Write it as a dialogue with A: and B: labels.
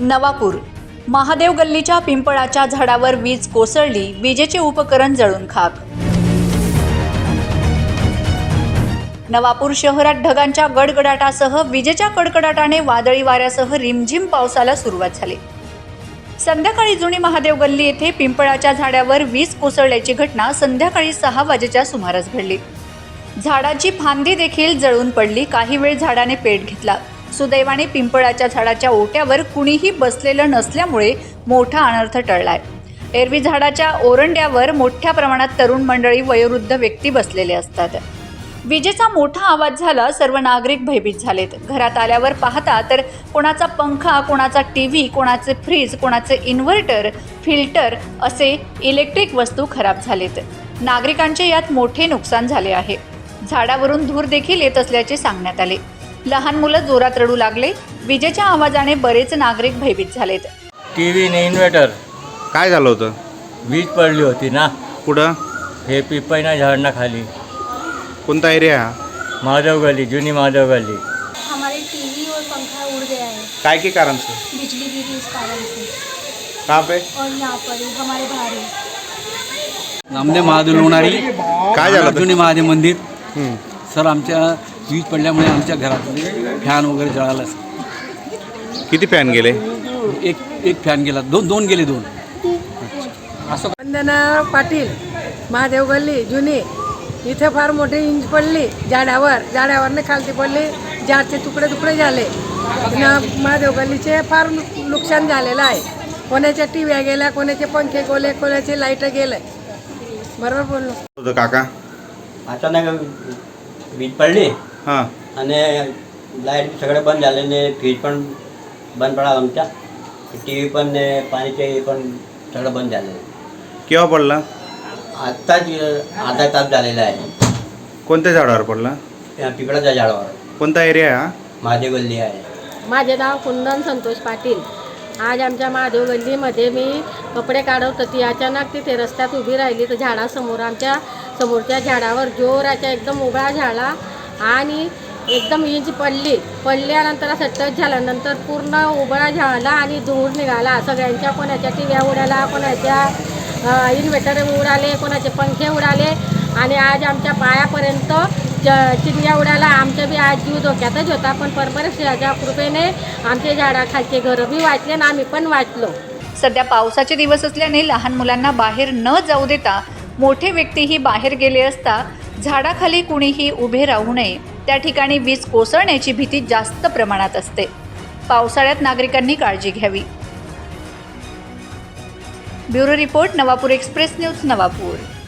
A: नवापूर महादेव गल्लीच्या पिंपळाच्या झाडावर वीज कोसळली, विजेचे उपकरण जळून खाक। नवापूर शहरात ढगांच्या गडगडाटासह विजेच्या कडकडाटाने वादळी वाऱ्यासह रिमझिम पावसाला सुरुवात झाली। संध्याकाळी जुनी महादेव गल्ली येथे पिंपळाच्या झाडावर वीज कोसळल्याची घटना संध्याकाळी 6 वाजेच्या सुमारास घडली। झाडाची फांदी देखील जळून पडली। काही वेळ झाडाने पेट घेतला। सुदैवाने पिंपळाच्या झाडाच्या ओट्यावर कुणीही बसलेलं नसल्यामुळे मोठा अनर्थ टळलाय। एरवी झाडाच्या ओरंड्यावर मोठ्या प्रमाणात तरुण मंडळी, वयोवृद्ध व्यक्ती बसलेले असतात। विजेचा मोठा आवाज झाला, सर्व नागरिक भयभीत झालेत। घरात आल्यावर पाहता तर कोणाचा पंखा, कोणाचा टीव्ही, कोणाचे फ्रीज, कोणाचे इन्व्हर्टर, फिल्टर असे इलेक्ट्रिक वस्तू खराब झालेत। नागरिकांचे यात मोठे नुकसान झाले आहे। झाडावरून धूर देखील येत असल्याचे सांगण्यात आले। लहान मुलं जोरात रडू लागले। विजेच्या आवाजाने बरेच नागरिक भयभीत झालेत।
B: टीव्ही ने इन्व्हर्टर
C: काय झालं होतं?
B: वीज पडली होती ना।
C: कुठं?
B: हे पिपळीना झाडना खाली।
C: कोणता एरिया हा?
B: महादेव गली, जुनी महादेव गली।
D: हमारे टीवी और पंखा उड़ गया है।
C: काय के कारण से?
D: बिजली गिरी इस कारण से।
C: कहाँ पे?
D: और यहाँ पर ही हमारे बाहर ही।
E: नामदेव महादेव लोणारी,
C: काय झालं?
E: जुनी महादेव मंदिर।
C: हं.
E: सर, आमच्या वीज पडल्यामुळे आमच्या घरातले फॅन वगैरे जळाला।
C: किती फॅन गेले?
E: एक फॅन गेला, दोन गेले।
F: वंदना पाटील, महादेव गल्ली जुनी। इथे फार मोठी इंच पडली झाडावरने खालती पडली। झाडचे तुकडे झाले। महादेव गल्लीचे फार नुकसान झालेलं आहे। कोणाच्या टीव्या गेल्या, कोणाचे पंखे गेले, कोणाचे लाईट गेले। बरोबर बोललो
C: होतं काका?
G: अचानक वीज पडली
C: हां.
G: आणि लाईट सगळे बंद झाले ने फ्रीज पण बंद पडला आमच्या, टी व्ही पण ने पाणीचे पण सगळं बंद झालं।
C: केव्हा पडला?
G: आत्ताच अर्धा तास झालेला आहे।
C: कोणत्या झाडावर पडला?
G: पिपळाच्या झाडावर।
C: कोणता एरिया हा?
G: महादेव गल्ली आहे।
H: माझे नाव कुंदन संतोष पाटील। आज आमच्या महादेव गल्लीमध्ये मी कपडे काढत होती। अचानक तिथे रस्त्यात उभी राहिली तर झाडासमोर, आमच्या समोरच्या झाडावर जोराच्या एकदम उभा झाला आणि एकदम इंच पडल्यानंतर असं टच झाल्यानंतर पूर्ण उभा झाला आणि धूर निघाला। सगळ्यांच्या, कोणाच्या टीव्या उडाला, कोणाच्या इन्व्हर्टर उडाले, कोणाचे पंखे उडाले आणि आज आमच्या पायापर्यंत चिमण्या उडाला। आमचं बी आज जीव धोक्यातच होता, पण परमेश्वराच्या कृपेने आमचे झाडाखालचे घरं बी वाचले आणि आम्ही पण वाचलो।
A: सध्या पावसाचे दिवस असल्याने लहान मुलांना बाहेर न जाऊ देता मोठे व्यक्तीही बाहेर गेले असता झाडाखाली कुणीही उभे राहू नये। त्या ठिकाणी वीज कोसळण्याची भीती जास्त प्रमाणात असते। पावसाळ्यात नागरिकांनी काळजी घ्यावी। Bureau report, Navapur express news, Navapur.